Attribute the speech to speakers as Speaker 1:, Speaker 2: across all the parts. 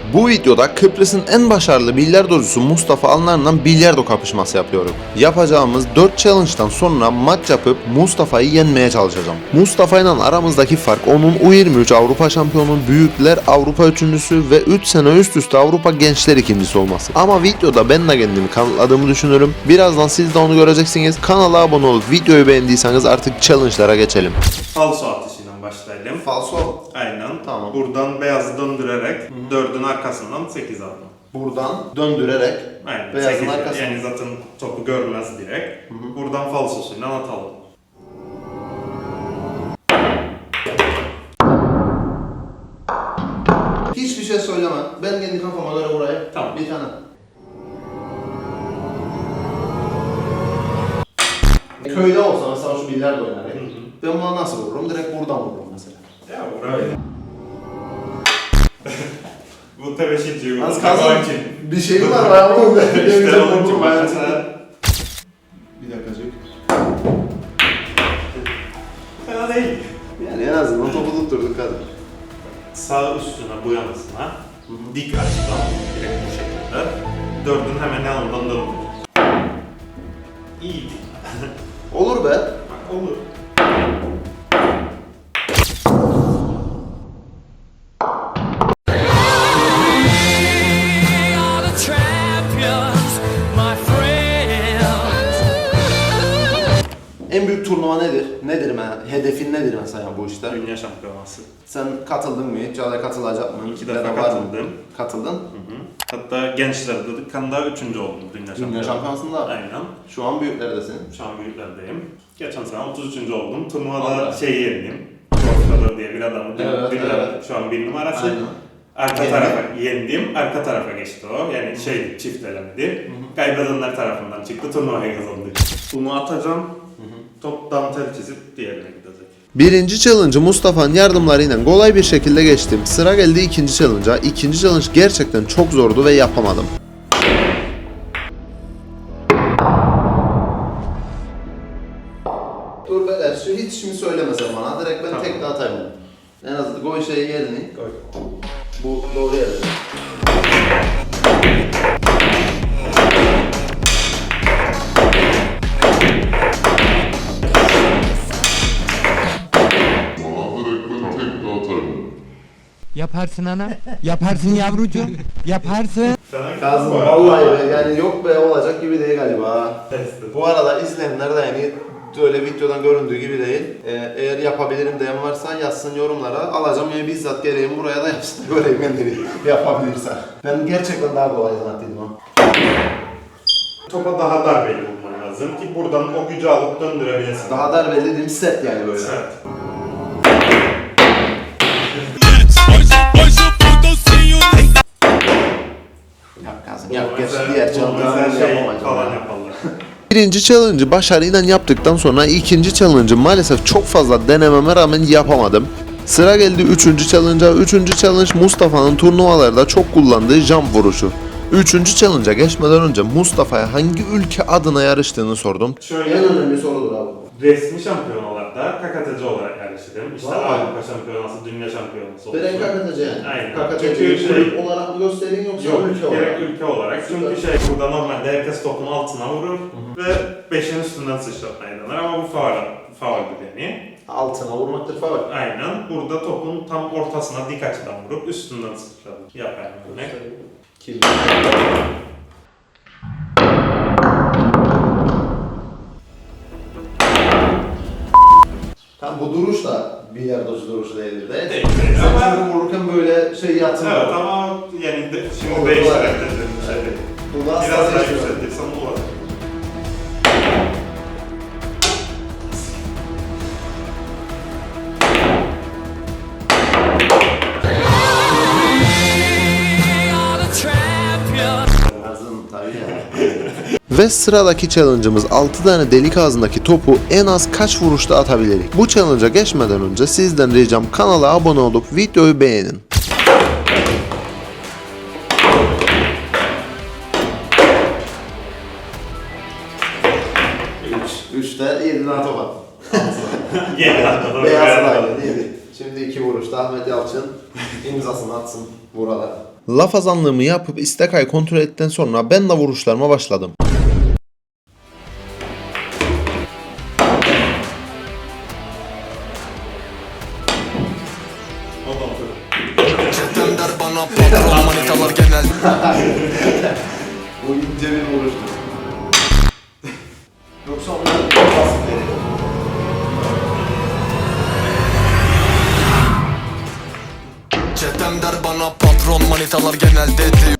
Speaker 1: Bu videoda Kıbrıs'ın en başarılı bilardocusu Mustafa Alnar'la bilardo kapışması yapıyorum. Yapacağımız 4 challenge'dan sonra maç yapıp Mustafa'yı yenmeye çalışacağım. Mustafa ile aramızdaki fark onun U23 Avrupa şampiyonu, büyükler Avrupa üçüncüsü ve 3 sene üst üste Avrupa gençler ikincisi olması. Ama videoda ben de kendimi kanıtladığımı düşünüyorum. Birazdan siz de onu göreceksiniz. Kanala abone olup videoyu beğendiyseniz artık challenge'lara geçelim.
Speaker 2: Falso atışıyla başlayalım.
Speaker 1: Falso.
Speaker 2: Aynen.
Speaker 1: Tamam.
Speaker 2: Buradan beyazı döndürerek 4'ün arkasından 8 alma.
Speaker 1: Buradan döndürerek
Speaker 2: Aynen.
Speaker 1: beyazın
Speaker 2: 8,
Speaker 1: arkasından.
Speaker 2: yani zaten topu görmez direkt. Buradan falsosuyla atalım.
Speaker 1: Hiçbir şey söyleme. Ben kendi kafama göre buraya
Speaker 2: Tamam.
Speaker 1: bir tane. Köyde olsa mesela şu bilardo oynar ya. Ben buna nasıl vururum? Direkt buradan vururum mesela.
Speaker 2: Ya buraya. Bu tebeşirciyi
Speaker 1: Az kazan. Bir şey var ya oğlum.
Speaker 2: İşte onun için mesela.
Speaker 1: Bir dakikacık.
Speaker 2: Fena değil.
Speaker 1: Yani en azından topu tutturduk hadi.
Speaker 2: Sağ üstüne bu yanısına dik açıdan direkt bu şekilde 4'ün hemen yanından döndür. İyi.
Speaker 1: Olur be.
Speaker 2: Bak olur.
Speaker 1: En büyük turnuva nedir? Nedir hedefin nedir mesela bu işte?
Speaker 2: Dünya şampiyonası.
Speaker 1: Sen katıldın mı hiç? Ya da katılacak mı?
Speaker 2: 2
Speaker 1: Ya da
Speaker 2: defa
Speaker 1: var mı?
Speaker 2: katıldım.
Speaker 1: Katıldın.
Speaker 2: Hatta gençlerde Kanda 3. oldum dünya
Speaker 1: Dünya şampiyonasında.
Speaker 2: Aynen.
Speaker 1: Şu an büyüklerdesin.
Speaker 2: Şu an büyüklerdeyim. Geçen sene 33. oldum. Turnuvada
Speaker 1: Allah.
Speaker 2: şeyi yendim. Torfador diye bir adamı.
Speaker 1: Evet, evet.
Speaker 2: Şu an 1 numarası.
Speaker 1: Aynen.
Speaker 2: Arka tarafa yendim. Arka tarafa geçti o. Yani çift elemedi. Kaybedenler tarafından çıktı. Turnuvayı kazandı. Bunu atacağım. Top dantel çizip diğerine gidecek.
Speaker 1: Birinci challenge'ı Mustafa'nın yardımlarıyla kolay bir şekilde geçtim. Sıra geldi ikinci challenge'a. İkinci challenge gerçekten çok zordu ve yapamadım. Dur be, şu hiç şimdi söylemesen bana. Direkt ben
Speaker 2: Tamam.
Speaker 1: tek de atayım. En azından koy şeyi yerini.
Speaker 2: Koy.
Speaker 1: Bu doğru yerde.
Speaker 3: Yaparsın ana. Yaparsın yavrucuğum. Yaparsın.
Speaker 1: Kazım vallahi be, yani yok be, olacak gibi değil galiba.
Speaker 2: Testi.
Speaker 1: Bu arada izleyenler de yani öyle videodan göründüğü gibi değil. Eğer yapabilirim diyen varsa yazsın yorumlara. Alacağım ya, bizzat geleyim buraya da yapsın. Göreyim kendini yapabilirsen. Ben gerçekten daha kolay zannettiydim ha.
Speaker 2: Topa daha darbeli vurman lazım ki buradan o gücü alıp döndürebilirsin.
Speaker 1: Daha darbeli dediğim sert yani böyle.
Speaker 2: Sert.
Speaker 1: Yap Kazım yap. Geç diğer
Speaker 2: Mesela
Speaker 1: challenge'ları
Speaker 2: şey
Speaker 1: yapamayacağım.
Speaker 2: falan
Speaker 1: ya.
Speaker 2: yaparlar.
Speaker 1: Birinci challenge'ı başarıyla yaptıktan sonra ikinci challenge'ı maalesef çok fazla denememe rağmen yapamadım. Sıra geldi üçüncü challenge'a. Üçüncü challenge Mustafa'nın turnuvalarda çok kullandığı jump vuruşu. Üçüncü challenge'a geçmeden önce Mustafa'ya hangi ülke adına yarıştığını sordum.
Speaker 2: Şöyle
Speaker 1: önemli sorudur abi.
Speaker 2: resmi şampiyonalarda KKTC olarak yarıştım. İşte
Speaker 1: Vallahi.
Speaker 2: Avrupa şampiyonası, dünya şampiyonası olsun.
Speaker 1: Beren KKTC yani.
Speaker 2: Aynen.
Speaker 1: KKTC'yi
Speaker 2: Çünkü
Speaker 1: kulüp olarak mı gösterin yoksa
Speaker 2: Yok,
Speaker 1: ülke olarak?
Speaker 2: gerek ülke olarak. Çünkü burada normalde herkes topun altına vurur ve 5'in üstünden sıçratmayı denir ama bu fauldür yani.
Speaker 1: Altına vurmaktır falan.
Speaker 2: Aynen. Burada topun tam ortasına dik açıdan vurup üstünden sıçratır. Yapayım örnek.
Speaker 1: Kim? Tam bu duruş da bilardocu duruşu değildir de.
Speaker 2: Değil.
Speaker 1: Sen çünkü vururken böyle şey yatmıyor.
Speaker 2: Evet ama yani şimdi
Speaker 1: Olur,
Speaker 2: değiştirebilirim bir şey değil.
Speaker 1: Bu da
Speaker 2: Biraz daha
Speaker 1: strateji.
Speaker 2: yükseltirsem olur.
Speaker 1: Kazım tabii ya. Ve sıradaki challenge'ımız 6 tane delik ağzındaki topu en az kaç vuruşta atabiliriz? Bu challenge'a geçmeden önce sizden ricam kanala abone olup videoyu beğenin. 3'te 7 tane top attım.
Speaker 2: Yedi hatta.
Speaker 1: Beyaz da aynı değil mi? Şimdi 2 vuruşta Ahmet Yalçın İmzasını atsın buralar. Laf azanlığımı yapıp istekayı kontrol ettikten sonra ben de vuruşlarıma başladım.
Speaker 2: O da otur.
Speaker 4: Çetem der bana patron manitalar genel.
Speaker 1: Bu ince bir vuruştu. Yoksa onlar basit veriyor.
Speaker 4: Çetem der bana patron manitalar genelde diyor.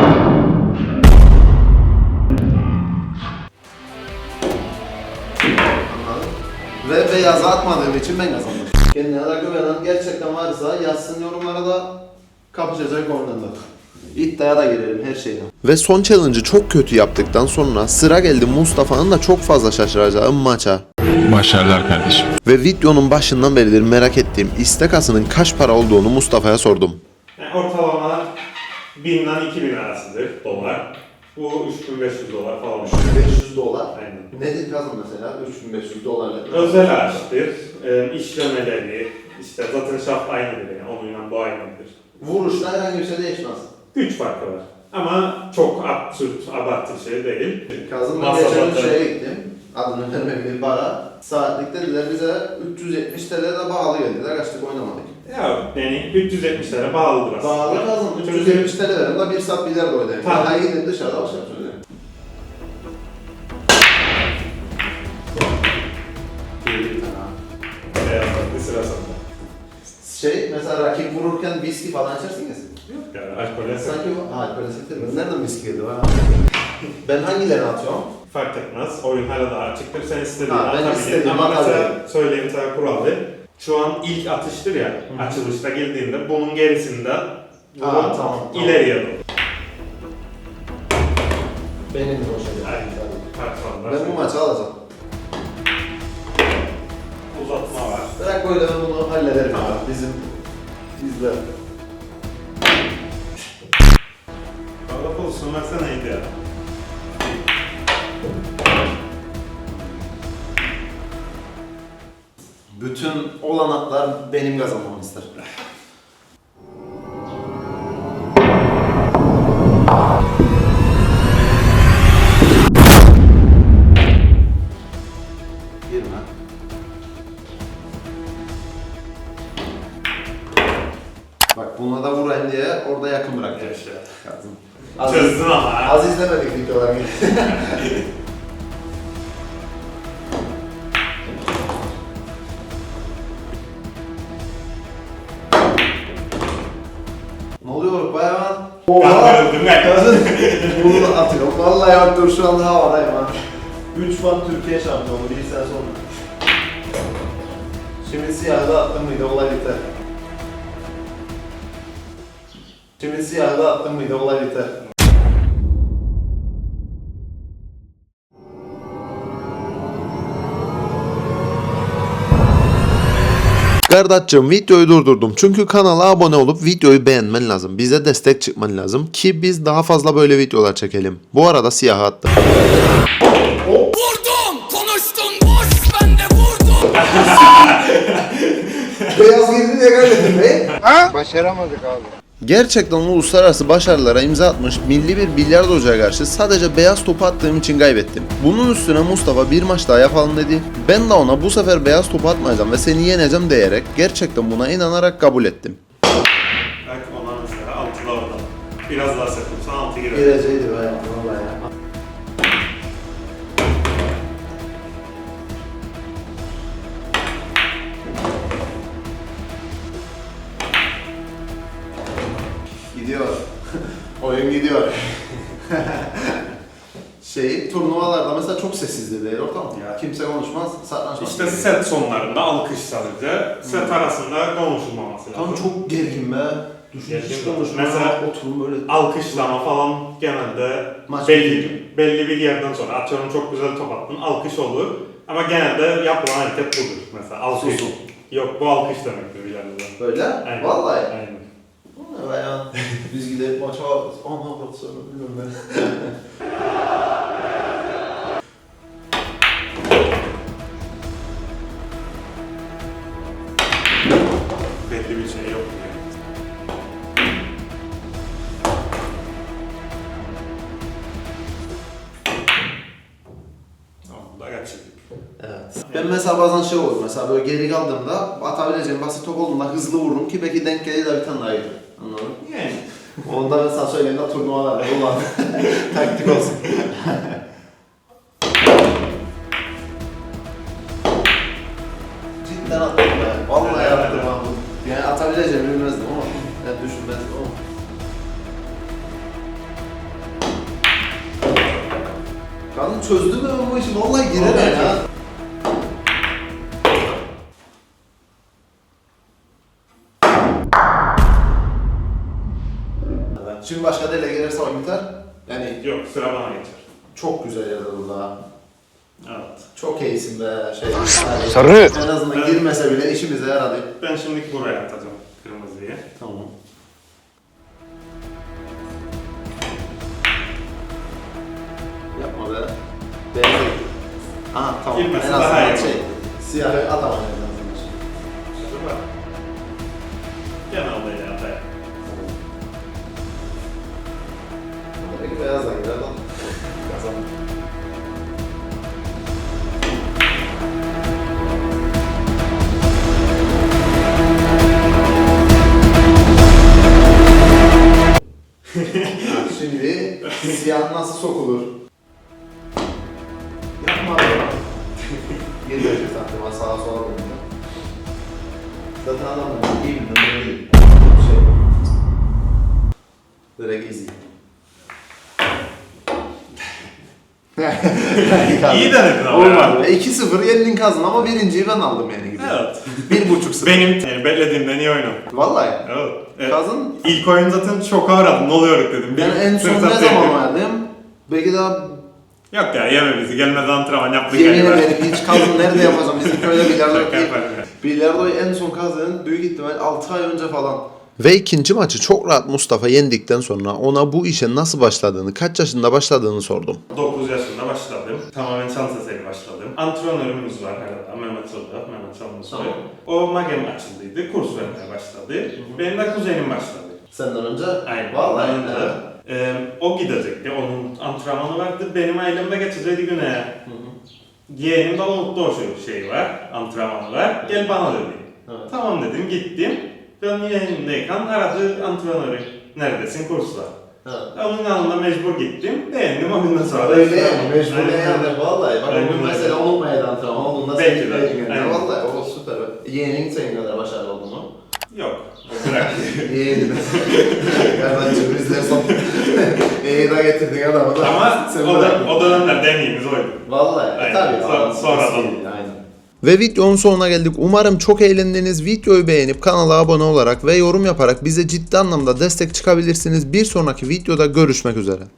Speaker 1: Ve beyaza atmadığım için ben kazandım. Kendine de güvenen gerçekten varsa yazsın yorumlara da kapışacak oyununda. İddiaya da girelim her şeyden. Ve son challenge'ı çok kötü yaptıktan sonra sıra geldi Mustafa'nın da çok fazla şaşıracağı maça.
Speaker 5: Başarılar kardeşim.
Speaker 1: Ve videonun başından beridir merak ettiğim istekasının kaç para olduğunu Mustafa'ya sordum.
Speaker 2: Yani ortalama 1000 ile 2000 arasıdır dolar. Bu 3500 dolar falan.
Speaker 1: 500 dolar.
Speaker 2: Aynen.
Speaker 1: Nedir kazan mesela 3500 dolarla?
Speaker 2: Özel araçtır. İşlemeleri, işte zaten şaft aynıdır yani. Onunla bu aynıdır.
Speaker 1: Vuruşta herhangi bir şey değişmez.
Speaker 2: Güç farkı var. Ama çok absürt, abartı şey değil.
Speaker 1: Kazım'la
Speaker 2: Masa
Speaker 1: geçen
Speaker 2: zaten-
Speaker 1: şeye gittim. Adını vermediğim bara. Saatlik dediler bize 370 TL de bağlı geldiler. Kaçtık oynamadık.
Speaker 2: Ya yani 370 lira bağlıdır aslında.
Speaker 1: Bağlı kazan. 370 TL verim de 1 saat bilardo ödeyim.
Speaker 2: Tamam.
Speaker 1: Daha gidin dışarıda başka bir şey ödeyim.
Speaker 2: Bir sıra sonra.
Speaker 1: Mesela rakip vururken viski falan içersiniz.
Speaker 2: Yok yani alkole
Speaker 1: Sanki o alkol sektir. Nereden viski geldi ha? Ben hangilerini atıyorum?
Speaker 2: fark etmez. Oyun hala daha açıktır. Sen istediğini
Speaker 1: Ha, ben
Speaker 2: atabilirsin.
Speaker 1: istediğimi
Speaker 2: Ama mesela
Speaker 1: atabilirim.
Speaker 2: söyleyeyim sana kuralı. Şu an ilk atıştır ya, açılışta girdiğinde bunun gerisinde vurup
Speaker 1: tamam.
Speaker 2: ileriye doğru.
Speaker 1: Benim de o şey.
Speaker 2: Aynen. Patronlar.
Speaker 1: Ben bu maçı alacağım.
Speaker 2: Uzatma var.
Speaker 1: Bırak böyle ben bunu hallederim abi. Bizim bizler.
Speaker 2: Valla pozisyon versene neydi ya?
Speaker 1: Bütün olanaklar benim kazanmamı ister. Girme. Bak buna da vurayım diye orada yakın bıraktım.
Speaker 2: Yaşa.
Speaker 1: Kazım.
Speaker 2: Çözdün ama ha.
Speaker 1: Az izlemedik videolarını. Ne oluyor bayağı?
Speaker 2: Ben öldüm ben.
Speaker 1: Bunu atıyorum. Vallahi bak dur şu anda havadayım ha. 3 fan Türkiye şampiyonu bir sene sonra. Şimdi siyahı attım mıydı olay biter. Şimdi siyahı attım mıydı olay biter. Kardeşim videoyu durdurdum çünkü kanala abone olup videoyu beğenmen lazım. Bize destek çıkman lazım ki biz daha fazla böyle videolar çekelim. Bu arada siyahı attım.
Speaker 4: Vurdum konuştun boş ben de vurdum.
Speaker 1: Beyaz girdi diye kaybettim be.
Speaker 6: Başaramadık abi.
Speaker 1: Gerçekten uluslararası başarılara imza atmış milli bir bilardocuya karşı sadece beyaz topu attığım için kaybettim. Bunun üstüne Mustafa bir maç daha yapalım dedi. Ben de ona bu sefer beyaz topu atmayacağım ve seni yeneceğim diyerek gerçekten buna inanarak kabul ettim.
Speaker 2: Bak ona mesela 6'da orada. Biraz daha sakınsan 6 girer.
Speaker 1: Gireceğiydi be vallahi ya. Gidiyor. Oyun gidiyor. Turnuvalarda mesela çok sessizdir değil ortam.
Speaker 2: Ya.
Speaker 1: Kimse konuşmaz, saklanışmaz.
Speaker 2: İşte set sonlarında alkış sadece. Set arasında konuşulmaması lazım.
Speaker 1: Tam çok gergin be. Düşün
Speaker 2: Gergin
Speaker 1: hiç
Speaker 2: mi?
Speaker 1: konuşma.
Speaker 2: Mesela
Speaker 1: oturun böyle.
Speaker 2: Alkışlama falan genelde
Speaker 1: Maç
Speaker 2: belli bir yerden sonra atıyorum çok güzel top attın alkış olur ama genelde yapılan hareket budur mesela alkış.
Speaker 1: Susun.
Speaker 2: Yok bu alkış demektir bir yerde.
Speaker 1: Böyle?
Speaker 2: Aynen.
Speaker 1: Vallahi.
Speaker 2: Aynen.
Speaker 1: O ne be ya? Biz gidelim maça. Aman bak sonra bilmiyorum ben.
Speaker 2: Belli bir şey yok yani.
Speaker 1: Ben mesela bazen şey olur, mesela böyle geri kaldığımda atabileceğim basit top olduğunda hızlı vururum ki belki denk gelir de bir tane daha yedim. Anladın mı?
Speaker 2: Yani.
Speaker 1: Onda mesela söyleyeyim de turnuvalarda olan taktik olsun. Cidden attım be. Vallahi attım abi. Yani atabileceğimi bilmezdim ama. Yani düşünmezdim ama. Kadın çözdü mü bu işi? Vallahi girer ya. Şimdi başka dele gelirse oyun biter. Yani
Speaker 2: Yok, sıra bana geçer.
Speaker 1: çok güzel yerde durdu ha.
Speaker 2: Evet.
Speaker 1: Çok iyisin be şey.
Speaker 3: Sarı.
Speaker 1: En azından girmese bile işimize yaradı.
Speaker 2: Ben şimdi buraya atacağım kırmızıyı.
Speaker 1: Tamam. Yapma be. Beyaz. Aha tamam.
Speaker 2: Girmesi
Speaker 1: en
Speaker 2: daha
Speaker 1: azından
Speaker 2: iyi.
Speaker 1: şey. Siyahı atamayız en azından.
Speaker 2: Dur bak. Gene olayı atayım.
Speaker 1: Peki beyazdan gider lan. Kazandım. Şimdi siyah nasıl sokulur? Yapma be. Geliyor şu taktıma sağa sola dönüyor. Zaten adam da iyi bildim böyle değil. Şey. Direkt easy.
Speaker 2: İyi denedin ama
Speaker 1: Olmadı. 2-0 yendin kazın ama birinciyi ben aldım yani gibi.
Speaker 2: Evet.
Speaker 1: 1.5-0.
Speaker 2: Benim yani beklediğimden iyi oynadın.
Speaker 1: Vallahi.
Speaker 2: Evet.
Speaker 1: Kazın.
Speaker 2: İlk oyun zaten çok aradım. Ne oluyor dedim.
Speaker 1: Ben en son
Speaker 2: fırsat
Speaker 1: ne zaman
Speaker 2: verdim.
Speaker 1: oynadım? Belki daha
Speaker 2: Yok ya yeme bizi. Gelmeden antrenman yaptık.
Speaker 1: yemin
Speaker 2: galiba.
Speaker 1: ederim hiç kazın nerede yapacağım? Bizim köyde bilardo
Speaker 2: Şaka
Speaker 1: değil.
Speaker 2: yaparım ya.
Speaker 1: Bilardo'yu en son kazanın büyük ihtimal 6 ay önce falan. Ve ikinci maçı çok rahat Mustafa yendikten sonra ona bu işe nasıl başladığını, kaç yaşında başladığını sordum.
Speaker 2: 9 yaşında başladım. Tamamen şans eseri başladım. Antrenörümüz var herhalde. Mehmet Soda, Mehmet Çalmışsoy.
Speaker 1: Tamam.
Speaker 2: O magem açıldıydı. Kurs vermeye başladı. Benim de kuzenim başladı.
Speaker 1: Senden önce?
Speaker 2: Aynen.
Speaker 1: Vallahi.
Speaker 2: Ondan önce, o gidecekti. Onun antrenmanı vardı. Benim ailemde geçecekti güneye. Yeğenim de unuttu o şeyi var. Antrenmanı var. Gel bana dedi.
Speaker 1: Evet.
Speaker 2: Tamam dedim. Gittim. Ben yeğenimdeyken aradı antrenörü. Neredesin? Kurs var.
Speaker 1: Evet.
Speaker 2: Onun yanına mecbur gittim. Beğendim o günden sonra.
Speaker 1: Öyle yani mecbur
Speaker 2: Aynen.
Speaker 1: yani vallahi. Bak
Speaker 2: Aynen
Speaker 1: bugün
Speaker 2: öyle.
Speaker 1: mesela unutmayın antrenman olduğunda
Speaker 2: Belki
Speaker 1: senin
Speaker 2: de.
Speaker 1: belki de.
Speaker 2: Aynen.
Speaker 1: Vallahi o süper. Yeğenin senin kadar başarılı oldu mu?
Speaker 2: Yok. Bırak.
Speaker 1: Yeğenin. Kardeşim bizler son. İyi de getirdin adamı da.
Speaker 2: Ama
Speaker 1: Sen
Speaker 2: o,
Speaker 1: bırakma.
Speaker 2: o dönemler deneyimiz oydu.
Speaker 1: Vallahi.
Speaker 2: Aynen.
Speaker 1: Tabii.
Speaker 2: Sonradan.
Speaker 1: Aynen. Ve videonun sonuna geldik. Umarım çok eğlendiniz. Videoyu beğenip kanala abone olarak ve yorum yaparak bize ciddi anlamda destek çıkabilirsiniz. Bir sonraki videoda görüşmek üzere.